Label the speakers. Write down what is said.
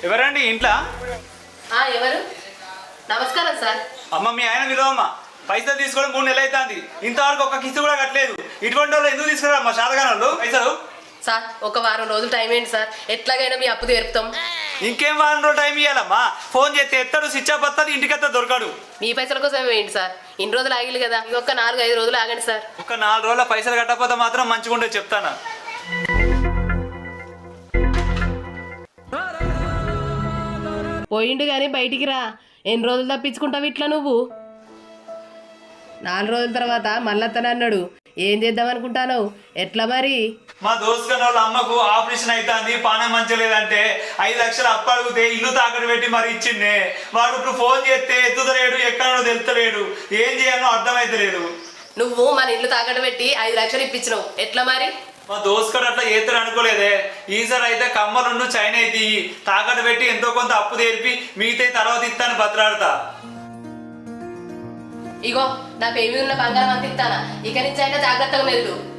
Speaker 1: ఎవరండి ఇంట్లో?
Speaker 2: ఎవరు? నమస్కారం సార్.
Speaker 1: అమ్మ మీ ఆయన విలువమ్మ. పైసలు తీసుకోవడం 3 నెలలు అవుతుంది, ఇంతవరకు ఒక కిస్తు కూడా కట్టలేదు. ఇటువంటి వాళ్ళు ఎందుకు తీసుకురామ్మా శాతగానోళ్ళు పైసలు?
Speaker 2: సార్ ఒక వారం రోజులు టైం ఏంటి సార్, ఎట్లాగైనా మీ అప్పు తీర్పుతాం.
Speaker 1: ఇంకేం వారం రోజులు టైం ఇవ్వాలమ్మా? ఫోన్ చేస్తే ఎత్తాడు, స్విచ్ ఆఫ్ వస్తుంది, ఇంటికి దొరకడు.
Speaker 2: మీ పైసల కోసం వేయండి సార్, ఇన్ని రోజులు ఆగిలి కదా, ఇంకొక 4-5 రోజులు ఆగండి సార్.
Speaker 1: ఒక 4 రోజుల పైసలు కట్టకపోతే మాత్రం మంచిగా ఉండే చెప్తాను.
Speaker 2: పోయిండు కానీ బయటికి రా. ఎన్ని రోజులు తప్పించుకుంటావు ఇట్లా నువ్వు? 4 రోజుల తర్వాత మళ్ళీ అన్నాడు. ఏం చేద్దాం అనుకుంటాను? ఎట్లా మరి?
Speaker 1: మా దోస్తుగాని వాళ్ళ అమ్మకు ఆపరేషన్ అవుతుంది, పానం మంచిగా లేదంటే 5 లక్షలు అప్పు అడిగితే ఇల్లు తాకట్టు పెట్టి మరి ఇచ్చిండే. వాడు ఇప్పుడు ఫోన్ చేస్తే ఎత్తుతలేడు, ఎక్కడో తెలుతలేడు, ఏం చేయాలో అర్థమైతలేదు.
Speaker 2: నువ్వు మన ఇల్లు తాకట్టు పెట్టి 5 లక్షలు ఇప్పించినావు, ఎట్లా మరి?
Speaker 1: మా దోస్తుగాడు అట్లా చేస్తాడు అనుకోలేదే. ఈసారి అయితే కమ్మలుండు చైనా అయితే తాకట్టు పెట్టి ఎంతో కొంత అప్పు తెరిపి మిగతా తర్వాత ఇస్తాను బతలాడతా.
Speaker 2: ఇగో నా పేరు ఉన్న బంగారం అంత ఇస్తానా, ఇక నుంచి అయినా జాగ్రత్తగా మెదులు.